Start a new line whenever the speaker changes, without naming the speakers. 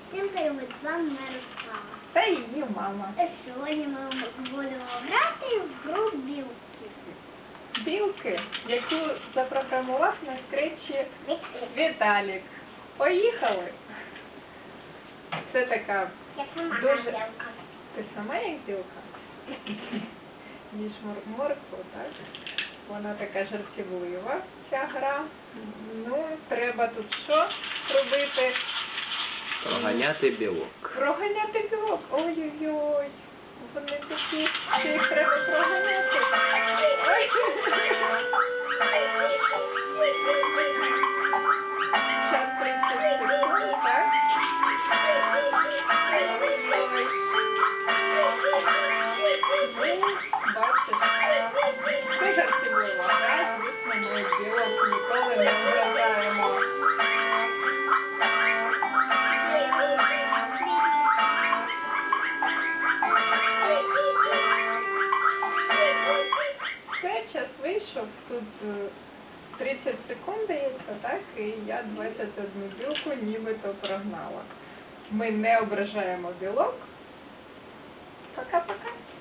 Всім привіт, з вами Мирослава.
Та її мама.
Сьогодні ми будемо грати в гру білки.
Білки, яку запрограмував на скретчі Віталік. Поїхали! Це така
Я сама
дуже...
білка.
Ти сама як білка? Їж моркву, так? Вона така жартівлива, ця гра. Ну, треба тут що робити?
Проганяти білок.
Проганяти білок. Ой-ой-ой. Вони такі, що їх треба проганяти. Ой. Час 30 секунд, так? Ой-ой-ой. Ну, бачиш, це жартівлива гра, звісно, ми білок ніколи не ображаємо. Все, час вийшов, тут 30 секунд дається, так, і я 21 білку нібито прогнала. Ми не ображаємо білок. Пока-пока.